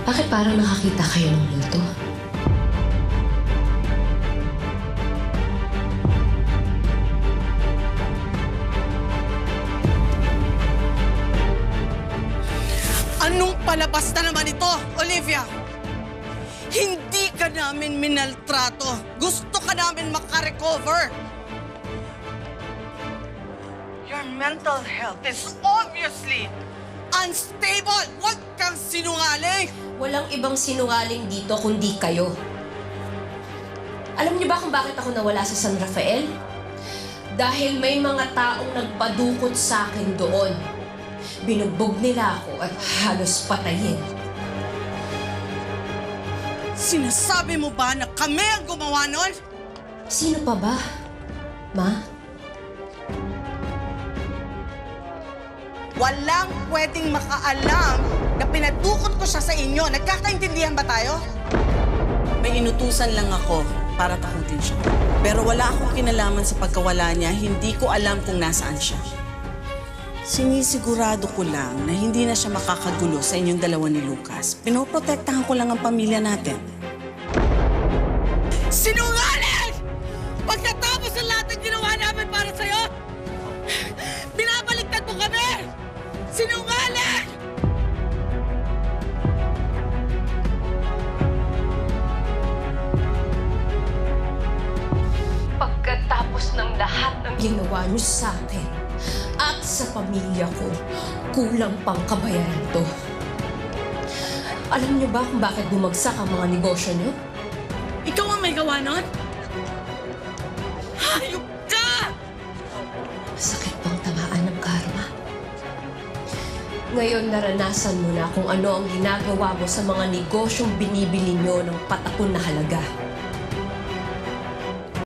Bakit parang nakakita kayo ng multo? Anong palabas na naman ito, Olivia? Hindi ka namin minaltrato. Gusto ka namin makarecover. Your mental health is obviously unstable. Huwag kang sinungaling. Walang ibang sinungaling dito kundi kayo. Alam niyo ba kung bakit ako nawala sa San Rafael? Dahil may mga taong nagpadukot sa akin doon. Binugbog nila ako at halos patayin. Sinasabi mo ba na kami ang gumawa nun? Sino pa ba, Ma? Walang pwedeng makaalam na pinadukot ko siya sa inyo. Nagkakaintindihan ba tayo? May inutusan lang ako para takutin siya. Pero wala akong kinalaman sa pagkawala niya. Hindi ko alam kung nasaan siya. Sinisigurado ko lang na hindi na siya makakagulo sa inyong dalawa ni Lucas. Pinoprotektahan ko lang ang pamilya natin. Sinungaling! Pagkatapos ng lahat ng ginawa namin para sa'yo, binabaliktad mo kami! Sinungaling! Pagkatapos ng lahat ng ginawa niyo sa akin at sa pamilya ko, kulang pang kabayaran to. Alam niyo ba kung bakit bumagsak ang mga negosyo niyo? Ikaw ang may gawa nun? Hayop ka! Masakit pang tamaan ng karma. Ngayon naranasan mo na kung ano ang ginagawa mo sa mga negosyong binibili niyo ng patapon na halaga.